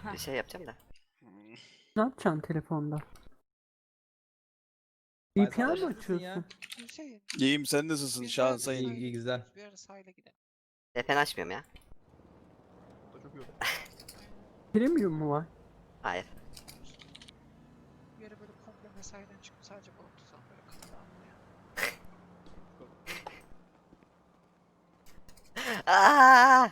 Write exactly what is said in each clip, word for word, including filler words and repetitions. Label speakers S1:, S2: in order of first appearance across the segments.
S1: bir şey yapacağım da.
S2: Ne yapacaksın telefonda? V P N mi açıyorsun?
S3: Hüseyin.
S4: İyiyim, sen nasılsın
S3: biz
S4: Şahan
S3: bir ara
S4: Sayın?
S3: sahile
S5: İyi, iyi, güzel.
S3: gidiyoruz, Bir ara sahile gidelim.
S1: V P N açmıyorum ya.
S2: Premium mu var?
S1: Hayır.
S3: Bir ara böyle komple mesaiden çıkıp sadece balık tutalım böyle kafa dağıtmaya.
S1: Aa!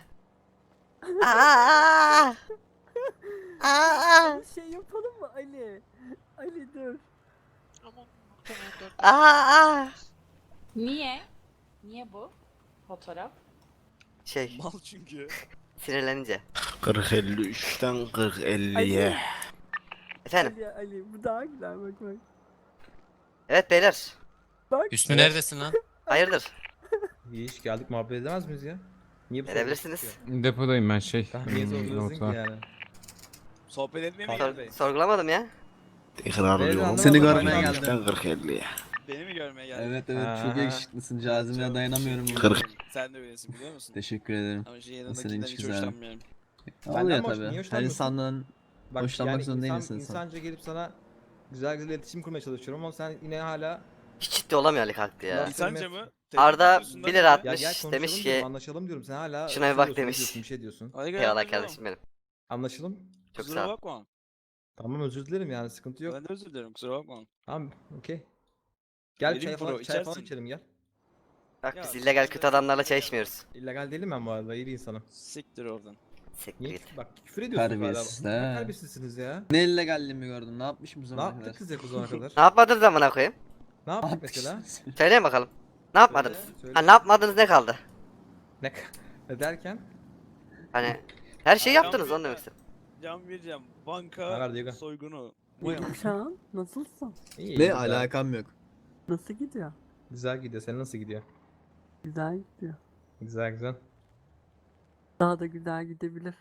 S1: Aa! Aa!
S2: Bir şey yapalım mı Ali? Ali dur.
S3: Ama muhtemelen dört
S1: Aa!
S6: Niye? Niye bu fotoğraf?
S1: Şey,
S4: Mal çünkü.
S1: sinirlenince.
S7: kırk elli üçten kırk elliye.
S1: Efendim,
S2: Ali Ali bu daha güzel bak bak.
S1: evet beyler.
S2: Bak.
S8: Hüsnü neredesin lan?
S1: Hayırdır?
S5: İyi iş geldik, muhabbet edemez miyiz ya? Niye bu soruyu
S1: Edebilirsiniz.
S5: soruyorsun?
S9: Depodayım ben şey.
S5: Tamam, niye
S9: hmm,
S5: soruyorsun ki
S9: notlar.
S5: yani?
S4: Sohbet etmeye mi
S5: Sor-
S4: geldin?
S1: Sor- sorgulamadım ya.
S7: Tekrar
S5: Evet,
S7: diyorum.
S5: anlamadım.
S7: Seni
S5: Ben
S7: görmeye
S5: geldim.
S7: geldim. kırk elliye.
S4: Beni mi görmeye geldin?
S10: Evet evet
S5: Ha.
S10: çok yakışıklısın, cazibeye
S4: Çok
S10: dayanamıyorum.
S4: teşekkür
S7: Kırk.
S4: ederim. Sen de öylesin biliyor musun?
S10: Teşekkür ederim.
S4: Ama şey
S10: Senin
S4: yanındakinden
S10: hiç
S4: hiç
S10: güzel.
S4: hoşlanmıyorum.
S5: Benden
S10: Oluyor
S5: mi hoş-
S10: tabi.
S5: niye
S10: Her
S5: hoşlanmıyorsun?
S10: insandan
S5: Bak,
S10: hoşlanmak
S5: yani
S10: zorunda
S5: insan,
S10: değilsin sen.
S5: insanca gelip sana güzel güzel iletişim kurmaya çalışıyorum ama sen yine hala
S1: Hiç ciddi olamıyor Ali kalktı ya.
S5: Nasıl?
S4: İnsanca mı?
S1: Arda
S4: Tehdit ediyorsun
S1: bir
S4: lan
S1: lira
S4: beni.
S1: at-
S5: ya
S1: Atmış,
S5: gel konuşalım
S1: demiş
S5: diyorum,
S1: ki,
S5: anlaşalım diyorum. Sen hala
S1: şuna bir
S5: şey
S1: bak
S5: diyorsun,
S1: demiş.
S5: ediyorsun, bir şey diyorsun.
S4: Hadi gel
S1: Eyvallah
S4: anlaşalım.
S1: kardeşim benim.
S5: Anlaşalım.
S1: Çok
S4: Kusura
S1: sağ ol.
S4: bakma.
S5: Tamam, özür dilerim yani, sıkıntı yok.
S4: Ben de özür dilerim, kusura bakma.
S5: Tamam, okey. Gel
S4: Vereyim
S5: çay falan,
S4: bro,
S5: çay falan
S4: içersin.
S5: içelim gel.
S1: Bak
S4: Ya,
S1: biz illegal kötü adamlarla çay
S4: ya.
S1: içmiyoruz.
S5: İllegal değilim ben bu arada, iyi bir insanım.
S4: Siktir oradan.
S1: Siktir
S5: Niye?
S1: git.
S5: Bak küfür ediyorsun
S10: Terbiyesiz
S5: hala.
S10: he.
S5: Ne terbiyesizsiniz ya?
S10: Ne illegalliğimi gördün? Ne yapmışım bu
S5: Ne
S10: zamana
S5: yaptık
S10: kadar?
S5: kız ya bu zamana kadar?
S1: Ne yapmadınız amına koyayım?
S5: Ne yaptık mesela?
S1: Söyleyin bakalım. Ne yapmadınız?
S5: söyle.
S1: Ha ne yapmadınız ne kaldı?
S5: Ne, ne derken?
S1: Hani her şeyi
S4: Adam
S1: yaptınız
S4: bir
S1: onu
S4: de-
S1: demek istedim.
S4: Can vereceğim.
S5: Ne
S4: Banka
S5: var Diego?
S4: soygunu.
S2: Şahan nasılsın?
S5: İyi,
S10: Ne
S5: güzel.
S10: alakam yok.
S2: Nasıl gidiyor?
S5: Güzel gidiyor. Senin nasıl gidiyor?
S2: Güzel gidiyor.
S5: Güzel güzel.
S2: Daha da güzel gidebilir.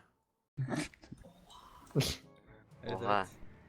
S5: Evet,
S1: Oha.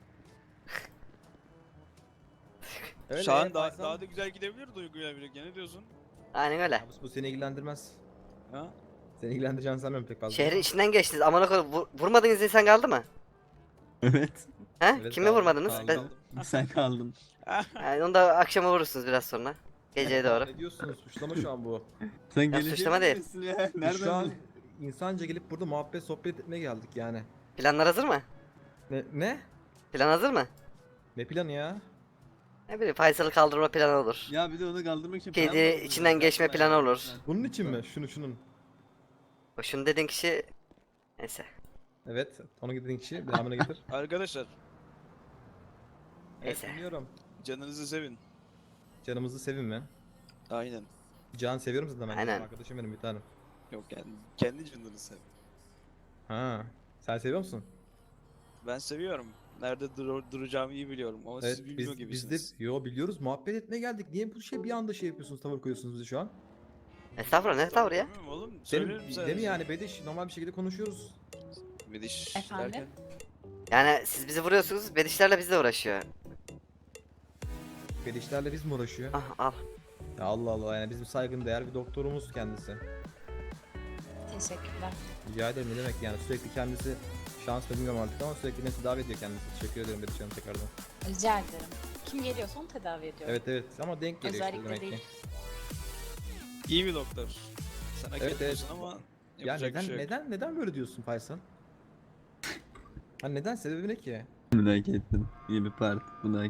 S5: Öyle,
S4: Şu an
S5: e,
S4: daha,
S5: Faysal.
S4: daha da güzel gidebilir duyguyla birlikte. Ne diyorsun?
S1: Aynen öyle.
S5: Ya bu, bu seni ilgilendirmez.
S4: Ha?
S5: Seni ilgilendireceğini sanmıyorum pek fazla.
S1: Şehrin içinden geçtiniz. Amına koyayım vur- vurmadığınız insan kaldı mı?
S10: Evet.
S1: He?
S5: Evet,
S1: Kimi
S5: kaldı,
S1: vurmadınız?
S5: kaldı.
S1: Ben,
S10: Sen kaldın.
S1: yani onu da akşama vurursunuz biraz sonra. Geceye doğru.
S5: Ne diyorsunuz? Suçlama şu an bu.
S10: Sen
S1: Ya
S10: geleceğini
S1: suçlama değil.
S10: biliyorsun ya.
S5: Biz
S10: Nereden
S5: şu an
S10: biliyorsun?
S5: insanca gelip burada muhabbet sohbet etmeye geldik yani.
S1: Planlar hazır mı?
S5: Ne? Ne?
S1: Plan hazır mı?
S5: Ne planı ya?
S1: Ne bileyim Faysal'ı kaldırma planı olur.
S10: Ya bir de onu kaldırmak için
S1: Kedi
S10: plan mı yapıyorsun?
S1: içinden geçme
S10: Yapma
S1: planı
S10: ya.
S1: olur.
S5: Bunun için mi? Şunu şunun.
S1: O şunu dediğin kişi... Neyse.
S5: Evet. Onu dediğin kişi. Devamını getir.
S4: Arkadaşlar
S5: Evet,
S1: Neyse.
S5: dinliyorum.
S4: canınızı sevin.
S5: Canımızı sevin mi?
S4: Aynen.
S5: Can seviyorum zaten ben.
S1: Aynen.
S5: Arkadaşım benim bir tanem.
S4: Yok yani kendi canınızı sevin.
S5: Ha. Sen seviyor musun?
S4: Ben seviyorum. Nerede dur duracağımı iyi biliyorum ama
S5: Evet,
S4: siz bilmiyor
S5: biz, biz
S4: gibisiniz.
S5: de yo biliyoruz, muhabbet etmeye geldik. Niye bu şey bir anda şey yapıyorsunuz, tavır koyuyorsunuz bize şu an?
S1: Estağfurullah ne tavır ya?
S4: Bilmiyorum oğlum.
S5: Senin,
S4: Söylerim
S5: değil
S4: sadece.
S5: mi yani Bediş? Normal bir şekilde konuşuyoruz.
S4: Mediş
S6: Efendim?
S4: derken.
S1: Yani siz bizi vuruyorsunuz, bedişlerle bizle uğraşıyor.
S5: Bedişlerle biz mi uğraşıyor?
S1: Ah al.
S5: Ya Allah Allah, yani bizim saygın değer bir doktorumuz kendisi.
S6: Teşekkürler.
S5: Rica ederim, ne demek yani, sürekli kendisi şans mı bilmiyorum artık ama sürekli beni tedavi ediyor kendisi. Teşekkür ederim Bediş Hanım tekrardan.
S6: Rica ederim. Kim geliyorsa onu tedavi ediyorum.
S5: Evet evet ama denk geliyor işte
S6: Özellikle
S5: demek
S6: değil.
S5: ki.
S4: İyi bir doktor. Sen hak
S5: Evet,
S4: etmiyorsun
S5: evet.
S4: ama
S5: Ya
S4: yapacak
S5: neden
S4: bir şey yok.
S5: neden neden böyle diyorsun Faysal? Ha neden, sebebi ne ki?
S10: Merak ettim. İyi bir parti. Buna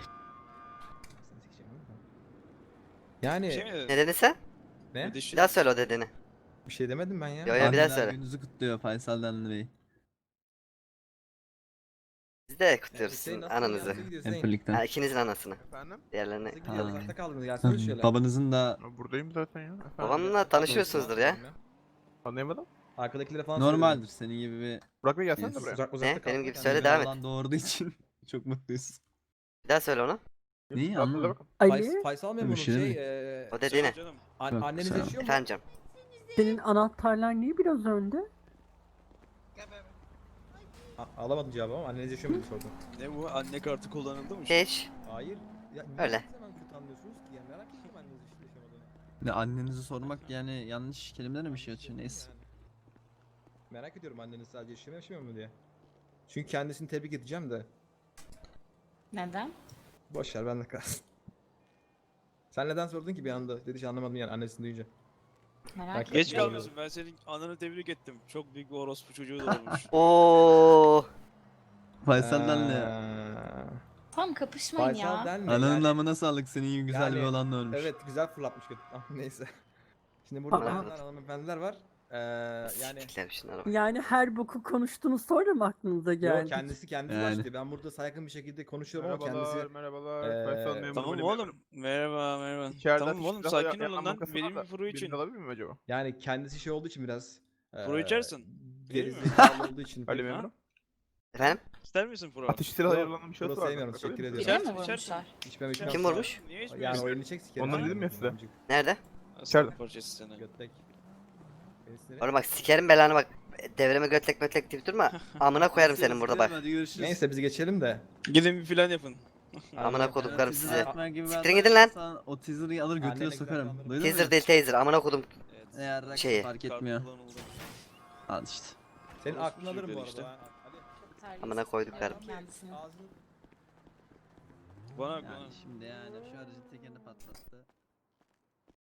S5: Yani
S4: Bir şey mi dedin?
S1: Ne dedin sen?
S5: ne?
S4: Mediş-
S1: Bir daha söyle o dediğini.
S5: Bir şey demedim ben ya.
S1: Yo, yo, bir daha
S10: Anneler
S1: söyle.
S10: gününüzü kutluyor Faysal Denli Bey.
S1: Biz de kutluyoruz
S5: Hüseyin
S1: sizin
S5: nasıl gidiyor?
S1: ananızı.
S5: Nasıl gidiyor
S10: Hep
S5: Hüseyin?
S10: birlikte.
S1: Ha, ikinizin anasını.
S11: Efendim?
S1: Diğerlerini.
S5: Nasıl gidiyor?
S10: Ha.
S5: Uzakta kaldınız, gelsene şöyle.
S10: Babanızın da
S11: Buradayım zaten ya. Efendim?
S1: Babamla tanışıyorsunuzdur ya.
S11: Anlayamadım.
S5: Arkadakilere falan
S10: normaldir senin gibi bir
S11: Burak Bey gelsene de
S10: Yes.
S11: buraya.
S5: Uzak, uzakta
S1: Ne?
S5: kalma
S1: Benim gibi
S5: kendine.
S1: söyle,
S10: gibi
S1: devam et.
S10: oğlan doğurduğu için çok mutluyuz.
S1: Bir daha söyle onu.
S10: Neyi
S11: Rahatladı
S10: anlamadım.
S11: bakın.
S2: Ali
S5: Fays- Faysal memuru
S10: Bir şey
S5: şey,
S10: demek.
S5: eee
S1: O dediğini.
S4: Söyle canım.
S5: an-
S10: Yok,
S5: anneniz
S10: sağ ol.
S5: yaşıyor mu?
S1: Efendim canım.
S2: senin anahtarlar niye biraz önde?
S5: A- alamadım cevabı ama anneniz yaşıyor mu diye sordum.
S4: Ne bu? Anne kartı kullanıldı mı? şu an?
S1: Hiç.
S5: Hayır. Ya niye
S1: Öyle.
S5: her zaman kötü anlıyorsunuz ki? Ya merak ettim anneniz yaşayıp yaşamadığını.
S10: Ne annenizi sormak yani yanlış kelimelerle mi şey atıyor neyse.
S5: Yani. Merak ediyorum anneniz sadece yaşıyor mu yaşamıyor mu diye. Çünkü kendisini tebrik edeceğim de.
S6: Neden?
S5: Boş ver bende kalsın. Sen neden sordun ki bir anda? Dedi hiç anlamadım yani annesini duyunca.
S6: Merak
S5: Bak,
S6: ettim.
S4: Geç
S5: Bilmiyorum.
S4: kalmışsın. Ben senin ananı tebrik ettim. Çok büyük bir orospu çocuğu da olmuş.
S1: Oo.
S10: Faysal Denli.
S5: Eee,
S6: Tamam kapışmayın
S5: Faysal
S6: ya.
S5: Denli
S10: Ananın
S5: yani-
S10: namına sağlık, senin gibi güzel
S5: Yani,
S10: bir olanla ölmüş.
S5: Evet güzel fırlatmış kötü. Ama neyse. Şimdi burada
S2: Aa.
S5: bayanlar hanımefendiler var. Eee yani
S1: Sikler şunlara bak.
S2: Yani her boku konuştunuz sonra mı aklınıza
S5: Yo,
S2: geldi?
S5: kendisi kendisi
S10: Yani.
S5: başlıyor. Ben burada saygın bir şekilde konuşuyorum ama
S11: Merhabalar,
S5: kendisi
S11: merhabalar.
S5: Eee,
S11: Faysal memuru
S4: Tamam
S11: benim
S4: oğlum.
S11: memurum.
S4: Merhaba merhaba.
S11: İçeride
S4: Tamam
S11: ateş
S4: oğlum
S11: silahı
S4: sakin
S11: ya-
S4: olun
S11: yanma
S4: lan.
S11: kasası
S4: Benim
S11: var
S4: bir
S11: da,
S4: furu için.
S11: birini alabilir miyim acaba?
S5: yani kendisi şey olduğu için biraz
S4: Furu
S5: eee,
S4: içersin. Değil mi?
S5: gerizekalı olduğu için
S11: Ali
S5: pek-
S11: memurum.
S1: Efendim?
S4: İster misin furu?
S11: Ateş silahı
S5: Yok,
S11: ayarlanan bir şey
S5: bunu
S11: var.
S5: sevmiyorum,
S11: Bakabilir
S5: teşekkür
S11: misiniz?
S5: ediyorum.
S6: Birine mi
S4: İçersin,
S6: vurmuşlar?
S5: içmem içmem.
S1: Kim vurmuş?
S4: Niye
S5: Yani
S4: içmiyorsun?
S5: oyunu çek sikerim.
S11: Ondan
S5: yani.
S11: dedim ya size.
S5: Amcık,
S1: Nerede?
S4: Aslan
S11: İçeride.
S4: parçası seni.
S5: Götlek. Beni sinir-
S1: Oğlum bak sikerim belanı bak. Devreme götlek götlek deyip durma. Amına koyarım senin burada bak.
S10: Hadi görüşürüz.
S5: Neyse biz geçelim de.
S4: Gidin bir plan yapın.
S1: Amına koduklarım
S10: teaser
S1: size.
S10: atmak gibi bir
S1: Siktirin
S10: hata
S1: gidin lan.
S10: yaparsan O teaser'ı alır götüne
S5: Annene
S10: sokarım.
S5: güzel
S10: Duydun
S1: Teaser
S10: mu?
S1: değil taser. Amına kodum.
S4: Evet.
S10: Eğer rakı
S1: Şeyi.
S10: fark etmiyor.
S4: Kart kullanıldı.
S10: Al işte.
S5: Senin
S4: Orospu
S5: aklını alırım bu
S4: çocukları
S5: arada.
S4: işte.
S5: ha. Ali.
S1: Amına koyduk karım.
S6: Kendisini.
S5: Ağzını
S4: Bana
S10: Yani
S4: bana.
S10: şimdi yani şu aracın tekerini patlattı.